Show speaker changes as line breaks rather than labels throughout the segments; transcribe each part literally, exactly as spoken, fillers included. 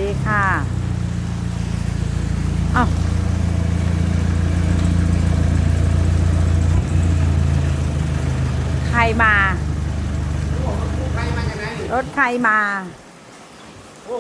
ดีค่ะอ้าวใครมา
ใครมาจากไหนนี่
รถใครมา
โอ้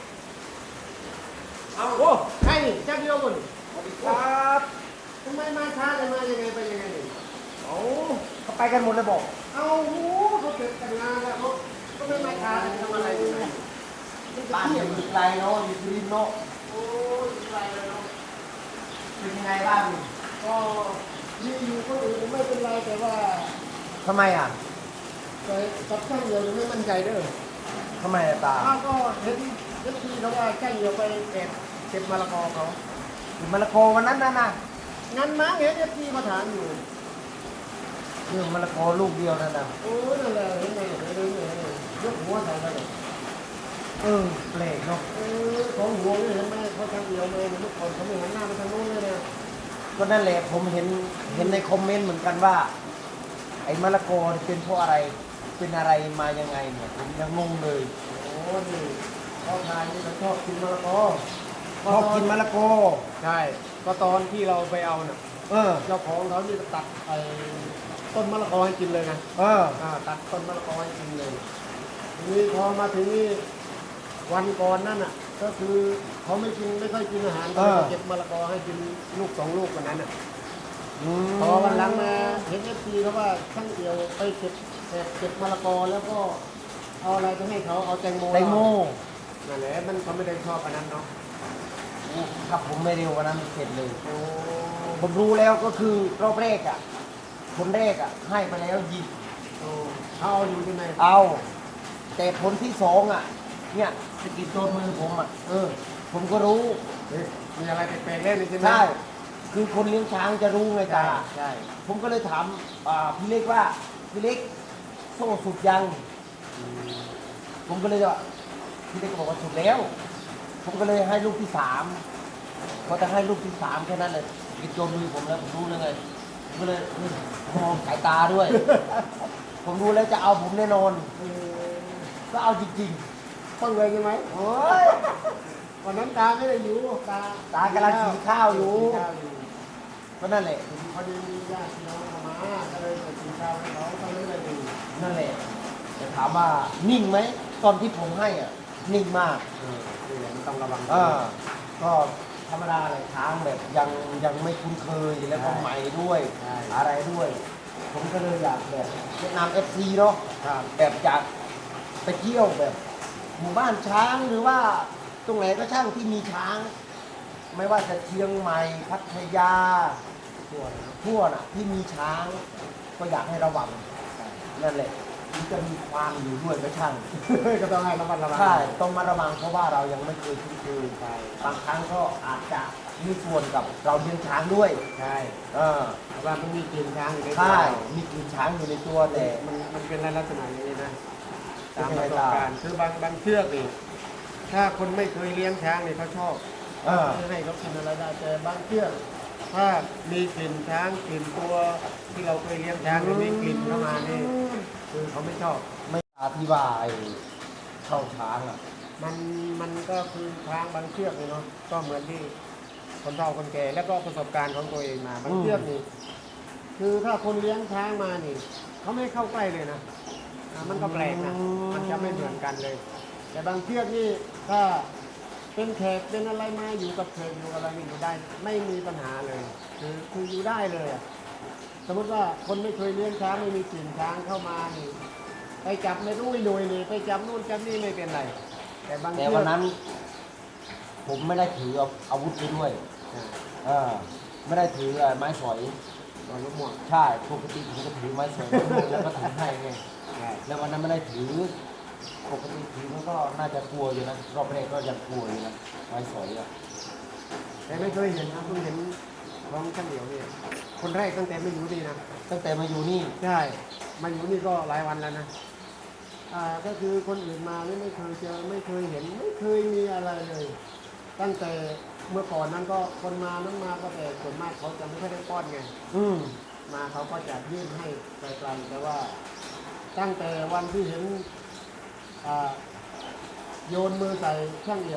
เอาโอ้ใครนี่เจ้าเดียวกันนี่
สวัสดีครับ
ทำไมมาช้าเลยมายังไงไปยังไงนี่
เอาเขาไปกันหมดเลยบอก
เอาโอ้เขาเสร็จกันงานแล้วเขาก็ไม่มาช้าเลยทำอะไรอยู่ไหน
บ้านอยู่ไกลเนาะอยู่สุรินทร์เนาะ
โอ้ยอะไรเลยเนาะ
เป็นยังไงบ้าง
ก็มีอยู่คนอื่นไม่เป็นไรแต่ว่า
ทำไมอ่ะ
แต่กับช่างเดียวยังไม่มั่นใจเด้อ
ทำไมอะตา
อ้าวก็เห็นเห็นทีเขาว่าช่างเดียวไปเก็บเก็บมะละกอเขา
อยู่มะละกอวันนั้นน่ะนะ
งั้นมั้งเห็นเอฟซีมาถามอยู่
เรื่องมะละกอลูกเดียวนั่นน่ะ
โอ้ยนั่นแหละเห็นไหมเห็นไหมเห็นไหมยกหัวใส่กันเลย
เออแปลกเนาะ
เออของหัวนี่เห็นไหมเขาทางเดียวเลยเมื่อก่อนเขาไม่หันหน้าไปทางโน้นเลยเนี่ย
ก็นั่นแหละผมเห็นเห็นในคอมเมนต์เหมือนกันว่า ไอ้มะละกอนี่เป็นเพราะอะไรเป็นอะไรมายังไงเนี่ยผมยังงงเลย
โอ้นี่เขาทานนี่เขาชอบกินมะละกอ
ชอบกินมะละกอ
ใช่ก็ตอนที่เราไปเอาเนี่ย
เออ
เจ้าของเขานี่ตัดไอ้ต้นมะละกอให้กินเลยนะ
เออ
อ่าตัดต้นมะละกอให้กินเลยทีนี้พอมาถึงนี่วันก่อนนั่นอ่ะ ก็คือเขาไม่กินไม่ค่อยกินอาหารก็เลยเก็บมะละกอให้กินลูกสองลูกวันนั้นอ่ะ
อืม
พอวันหลังมาเห็นเอฟซีเขาว่าช่างเดียวไปเก็บแอบเก็บมะละกอแล้วก็เอาอะไรไปให้เขาเอาแตงโม
แตงโม
นั่นแหละมันเขาไม่ได้ชอบอันนั้นเนาะ
ถ้าผมไม่เร็ววันนั้นเสร็จเลย
โอ้
ผมรู้แล้วก็คือรอบแรกอ่ะ คนแรกอ่ะ ให้ไปแล้วยิง
โอ้เขาเอาอยู่ที่ไหน
เอา แต่ผลที่สองอ่ะ เนี่ยสะกิดโดนมือผมอ่ะ
เออ
ผมก็รู้
เฮ้ยมีอะไรแปลกๆเล่นใช่ไหม
ใช่ คือคนเลี้ยงช้างจะรู้ไง
ใช่
ตา
ใช่
ผมก็เลยถามอ่าพี่เล็กว่า พี่เล็กโซ่สุดยัง ผมก็เลยว่าพี่เล็กก็บอกว่าสุดแล้ว ผมก็เลยให้ลูกที่สามพอจะให้ลูกที่สามแค่นั้นเลยกิดโดนมือผมแล้วผมรู้เลยไงผมก็เลยมองสายตาด้วย ผมรู้แล้วจะเอาผมแน่นอน
เออ
ก็เอาจริง
ต้องเลยใช่ไหม
ๆโอ้ย
วันนั้นตาไม่ได้อยู่ตา
ตากำลังกินข้าวอยู่
กินข้าวอยู่
ก็นั่นแหละ
พอดีมีญาติพี่น้องเข้ามาก็เลยไปกินข้าวให้เขาเขาไม่ได้ดู
นั่นแหละแต่ถามว่านิ่งไหมตอนที่ผมให้อ่ะ นิ่งมาก
เออนี่แหละมันต้องระวัง
อ่าก็ธรรมดาเลยช้างแบบยังยังไม่คุ้นเคยแล้วก็ใหม่ด้วย
ใช่
อะไรด้วย ผมก็เลยอยากแบบแนะนำเอฟซีเนาะ
ครับ
แบบจากไปเที่ยวแบบ หมู่บ้านช้างหรือว่าตรงไหนก็ช่างที่มีช้าง ไม่ว่าจะเชียงใหม่พัทยา
ทั่วนะ
ทั่วน่ะที่มีช้าง ก็อยากให้ระวังนั่นแหละมันจะมีความอยู่ด้วยก็ช่าง
ก็ต้องให้ระมัดระวัง
ใช่ต้องมาระวังเพราะว่าเรายังไม่เคยคุ้นเคย
ใช่
บางครั้งก็อาจจะมีส่วนกับเราเลี้ยงช้างด้วย
ใช่
เออ
เพราะว่ามันมีกลิ่นช้างอยู่ในตัว
ใช่มีกลิ่นช้างอยู่ในตัวแต่
มันมันเป็นลักษณะอย่างนี้นะตาม
เป็น
ป
ยัง
ระ
ไง
สบการณ์คือบางบางเชือกนี่ถ้าคนไม่เคยเลี้ยงช้างนี่เขาชอบ
เออ
ให้เขากินอะไรได้แต่บางเชือกถ้ามีกลิ่นช้างกลิ่นตัวที่เราเคยเลี้ยงช้างหรือมีกลิ่นเข้ามานี่คือเขาไม่ชอบ
ไม่อธิบายเข้าช้างอ่ะ
มันมันก็คือช้างบางเชือกนี่เนาะก็เหมือนที่คนเฒ่าคนแก่แล้วก็ประสบการณ์ของตัวเองมาบางเชือกนี่คือถ้าคนเลี้ยงช้างมานี่เขาไม่เข้าใกล้เลยนะอ่ามันก็แปลกนะมันจะไม่เหมือนกันเลย แต่บางเชือกนี่ถ้าเป็นแขกเป็นอะไรมาอยู่กับแขกอยู่กับอะไรนี่อยู่ได้ไม่มีปัญหาเลย คือคืออยู่ได้เลยอะสมมติว่าคนไม่เคยเลี้ยงช้างไม่มีกลิ่นช้างเข้ามานี่ไปจับไม่รู้อีหน่วยนี่ไปจับนู่นจับนี่ไม่เป็นไรแต่บาง
แต่
เชือก
วันนั้น ผมไม่ได้ถืออาวุธไปด้วย
อ่า
เออไม่ได้ถือไม้สอย
ตอนลูกหมวก
ใช่ปกติผมก็ถือไม้สอยแล้วก็ถือให้ไง
ใช่
แล้ววันนั้นไม่ได้ถือปกติถือมันก็น่าจะกลัวอยู่นะรอบแรกก็ยังกลัวอยู่นะไม้สอยอ่ะ
แต่ไม่เคยเห็นนะเพิ่งเห็นของช่างเดี่ยวนี่คนแรกตั้งแต่ไม่อยู่นี่นะ
ตั้งแต่มาอยู่นี่
ใช่มาอยู่นี่ก็หลายวันแล้วนะอ่าก็คือคนอื่นมานี่ไม่เคยเจอไม่เคยเห็นไม่เคยมีอะไรเลย ตั้งแต่เมื่อก่อนนั้นก็คนมานั้นมาก็แต่ส่วนมากเขาจะไม่ค่อยได้ป้อนไง
อืม
มาเขาก็จะยื่นให้ไกลๆแต่ว่า ตั้งแต่วันที่เห็นอ่าโยนมือใส่ช่างเดี่ยว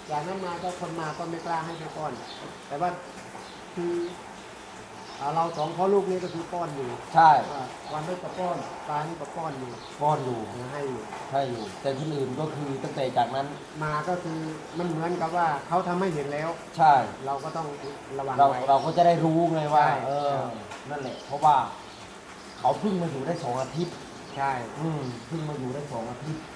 จากนั้นมาก็คนมาก็ไม่กล้าให้ไปป้อน แต่ว่าคืออ่าเราสองพ่อลูกนี้ก็คือป้อนอยู่
ใช่
อ่าวันนี้ก็ป้อนตานี่ก็ป้อนอยู่
ป้อนอยู่
ให้อยู่
ใช่อยู่ แต่คนอื่นก็คือตั้งแต่จากนั้น
มาก็คือมันเหมือนกับว่าเขาทำให้เห็นแล้ว
ใช่
เราก็ต้องระวัง
เรา
ไว้
เราก็จะได้รู้ไงว่า
ใช่
เออ นั่นแหละ เพราะว่า เขาเพิ่งมาอยู่ได้สองอาทิตย์
ใช่
อืมเพิ่งมาอยู่ได้สองอาทิตย์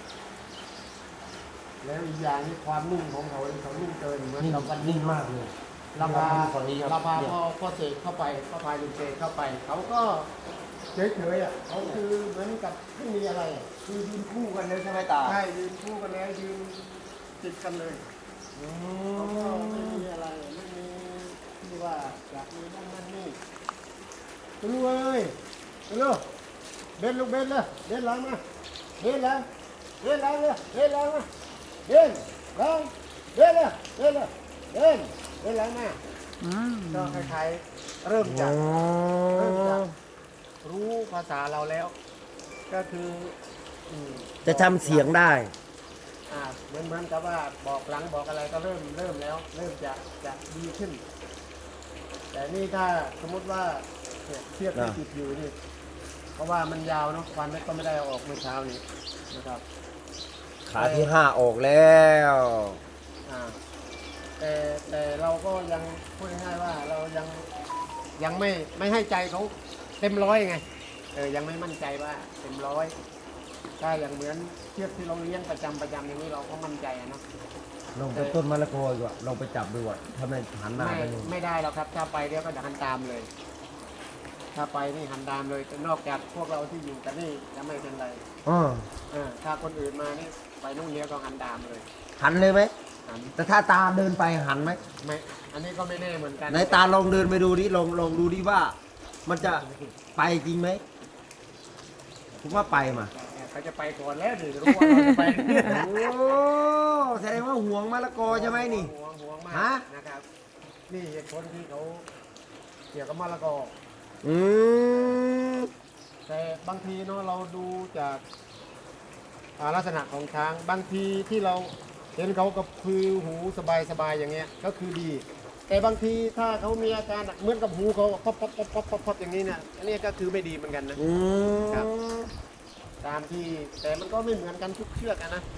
แล้วอีกอย่างนี้ความนุ่มของเขาเนี่ยเขานุ่มเกินเหมือน
นี่
กับ
มันนิ่มมากเลย
เราพา
ฝั่งนี้ครับ
เราพา
เนี่ย
พ่อพ่อเสกเข้าไปพ่อพาลุงเสกเข้าไป เขาก็เฉยๆอ่ะเขาคือเหมือนกับไม่มีอะไรอ่ะ
คือยืนคู่กันเลยใช่ไหมตา
ใช่ยืนคู่กันแล้วยืนติดกันเลย
อื
เขาก็
ม
ไม่มีอะไรไม่มีที่ว่าอยากมีนั่นนั่นนี่ไปลูกเอ้ยไปลูกเบนลูกเบนเลยเบนหลังมาเบนหลังเบนหลังเลยเบนหลังมาเบนหลังเบนเลยเบนเลยเบนเบนหลังมา
อืม
ก็คล้ายๆเริ่มจากเริ่มจากรู้ภาษาเราแล้ว ก็คืออืม
จะจำเสียงได้
อ่าเหมือนเหมือนกับว่าบอกหลังบอกอะไรก็เริ่มเริ่มแล้ว เริ่มจะจะดีขึ้น แต่นี่ถ้าสมมติว่าเนี่ยเชือกที่
อ่า
ติดอยู่นี่เพราะว่ามันยาวเนาะฟันก็ไม่ได้เอาออกเมื่อเช้านี้นะครับ
ขาที่ห้าออกแล้ว
อ่าแต่แต่เราก็ยังพูดง่ายๆว่าเรายังยังไม่ไม่ให้ใจเขาเต็มร้อยไงเออยังไม่มั่นใจว่าเต็มร้อยถ้าอย่างเหมือนเชือกที่เราเลี้ยงประจำประจำอย่างนี้เราก็มั่นใจอะเนาะ
ลองไปต้นมะละกอดีกว่าลองไปจับดูอ่ะถ้าไม่หันหน้า
ไม่
ไปนู่น
ไม่ได้หรอกครับ ถ้าไปเดี๋ยวก็จะหันตามเลย ถ้าไปนี่หันตามเลยแต่นอกจากพวกเราที่อยู่กันนี่จะไม่เป็นไร
อ๋อ
เออถ้าคนอื่นมานี่ไปนู่นเนี้ยก็หันตามเลย
หันเลยไหม
หัน
แต่ถ้าตาเดินไปหันไหม
ไม่อันนี้ก็ไม่แน่เหมือนกัน
ไหนตาลองเดินไปดูดิลองลองดูดิว่า มันจะไปจริงไหมผมว่าไปมา
เขาจะไปก่อนแล้วดิรู้ว่าเราจะไป
โอ้แสดงว่าห่วงมะละกอใช่ไหมนี่
ห่วงห่วงมา
ฮะ
กนะครับ นี่เหตุผลที่เขาเกี่ยวกับมะละกอ
อืม
แต่บางทีเนาะเราดูจากอ่าลักษณะของช้างบางทีที่เราเห็นเขากับคือหูสบายสบายๆอย่างเงี้ยก็คือดี แต่บางทีถ้าเขามีอาการเหมือนกับหูเขาป๊อปป๊อปป๊อปป๊อปป๊อปป๊อปอย่างนี้เนี่ยอันนี้ก็คือไม่ดีเหมือนกันนะ
อืม
ครับ ตามที่แต่มันก็ไม่เหมือนกันทุกเชือกอะนะ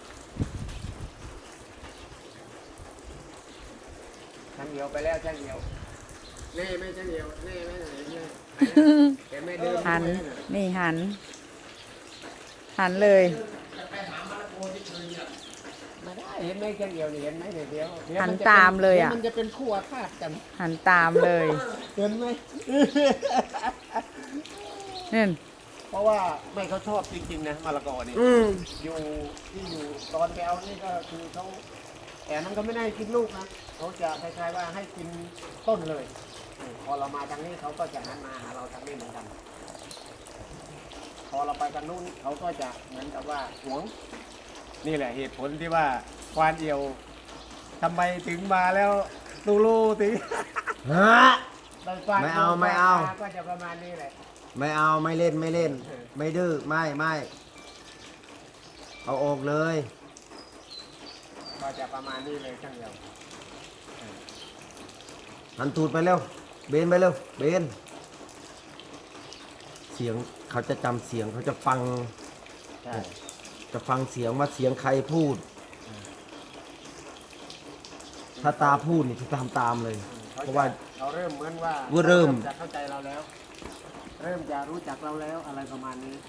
ช่างเหี่ยวไปแล้วช่างเหี่ยวเน่ไม่ช่างเหี่ยวเน่ไม่ไหนเนี่ยแต่ไม่เดิน
หัน
ด้วยะ
นี่หัน หันเลย
ไม่ได้เห็นไหมช่างเหี่ยวนี่เห็นไหมเดี๋ยวเดี๋ยวเดี๋ยว
หัน
จะเป็
ตามเลยอะ
ดี๋วมันจะเป็นคู่อาฆาตกัน
หันตามเลย
เห็นไหม
นี่น
เพราะว่าไม่เขาชอบจริงๆนะมะละกอนี่
อืม
อยู่ที่อยู่ตอนแกวนี่ก็คือเขาแต่มันก็ไม่ได้กินลูกนะเขาจะคล้ายๆว่าให้กินต้นเลยอืมพอเรามาทางนี้เขาก็จะหันมาหาเราทางนี้เหมือนกัน พอเราไปทางนู้นเขาก็จะเหมือนกับว่าหวง นี่แหละเหตุผลที่ว่าควานเอียวทำไมถึงมาแล้วตูลูถึง
ฮะ
ได้ฟัง
ไม่เอาไม่เอา
ก็จะประมาณนี้แหละ
ไม่เอาไม่เล่นไม่เล่น ไม่ดื้อไม่ไม่เอาออกเลย
ก็จะประมาณนี้เลยช่างเดียว
หันตูดไปเร็วเบนไปเร็วเบนเสียงเขาจะจำเสียงเขาจะฟัง
ใช่
จะฟังเสียงว่าเสียงใครพูด ถ้าตาพูดนี่จะทำตามเลย เพราะว่า
เราเริ่มเหมือนว่า
ว่าเริ่ม
จะเข้าใจเราแล้ว เริ่มจะรู้จักเราแล้วอะไรประมาณนี้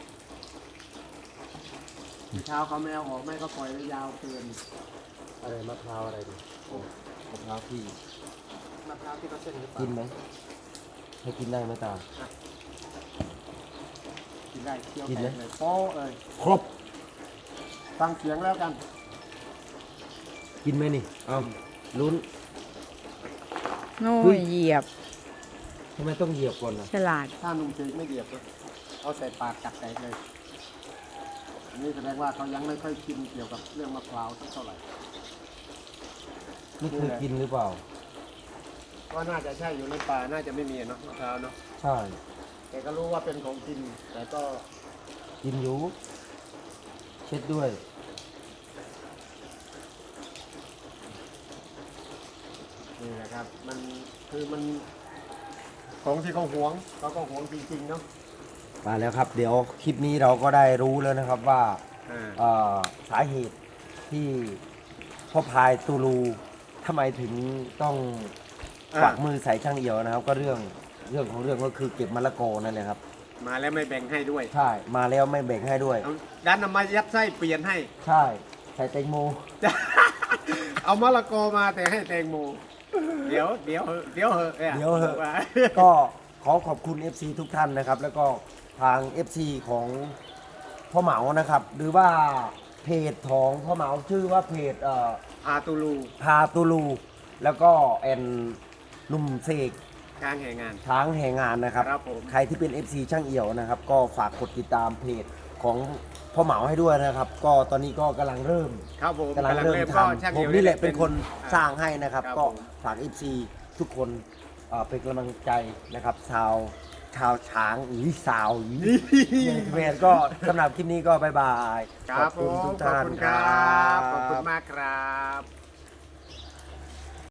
เช้าเขาไม่เอาออกไม่ก็ปล่อยไว้ยาวเกิน
อะไรมะพร้าวอะไรดิมะพร้าวพี่
มะพร้าวที่เขาเส้นหรือเปล่า
กินไหมให้กินได้ไหมตา
กินได้เคี้ยว
กิน
แต
ไหม
กเลยโป๊ะเลย
ครบ
ฟังเสียงแล้วกัน
กินไหมนี่เอาลุ้น
โน่
เฮ้ย
เหยียบ
ทำไมต้องเหยียบก่อนนะ
ฉลาด
ถ้านุ่มเจกไม่เหยียบเลยเอาใส่ปากกัดแตกเลยอันนี้แสดงว่าเขายังไม่ค่อยชินเกี่ยวกับเรื่องมะพร้าวสักเท่าไหร่
นี่คือกินหรือเปล่า
ก็น่าจะใช่อยู่ในป่าน่าจะไม่มีเนาะมะพร้าวเนาะ
ใช่
แต่ก็รู้ว่าเป็นของกิน แต่ก็
กินอยู่เช็ดด้วย
นี่แหละครับ มันคือมันของที่เขาหวงเขาก็หวงจริงๆเนาะ
มาแล้วครับ เดี๋ยวคลิปนี้เราก็ได้รู้แล้วนะครับว่า
อ่า
เอ่อสาเหตุที่พ่อพายตูลูทำไมถึงต้องฝากมือใส่ช่างเอี่ยวนะครับ ก็เรื่องเรื่องของเรื่องก็คือเก็บมะละกอนั่นแหละครับ
มาแล้วไม่แบ่งให้ด้วย
ใช่มาแล้วไม่แบ่งให้ด้วย
เอาดันเอามายัดไส้เปลี่ยนให้
ใช่ใส่แตงโม
เอามะละกอมาแต่ให้แตงโม เดี๋ยวเดี๋ยวเหอะเดี๋ยวเหอะนี่
เดี๋ยวเหอะ
ว่า
ก็ขอขอบคุณ เอฟ ซี ทุกท่านนะครับ แล้วก็ทาง เอฟ ซี ของพ่อเหมานะครับ หรือว่าเพจของพ่อเหมาชื่อว่าเพจเอ่อ
พาตูลู
พาตูลู แล้วก็แอนหนุ่มเสก
กลางแห่งงาน
ช้างแห่งงานนะครับ
ครับผม
ใครที่เป็น เอฟ ซี ช่างเอี่ยวนะครับ ก็ฝากกดติดตามเพจของพ่อเหมาให้ด้วยนะครับ ก็ตอนนี้ก็กำลังเริ่ม
ครับผม
กำลังเริ่มท
ก็ช่าง
ำผ
เหี่
ม
ยว
นี่แหละเป็นคนสร้างให้นะครับ
ครับ
ก็
ผม
ฝาก เอฟ ซี ทุกคนเอ่อเป็นกำลังใจนะครับชาวชาวช้างหรือสาวหรือแมนก็สำหรับคลิปนี้ก็บายบาย
ครับ
ขอบคุณ
ผม
ทุก
ขอบ
ท่าน
คุณครับ ขอบคุณมากครับ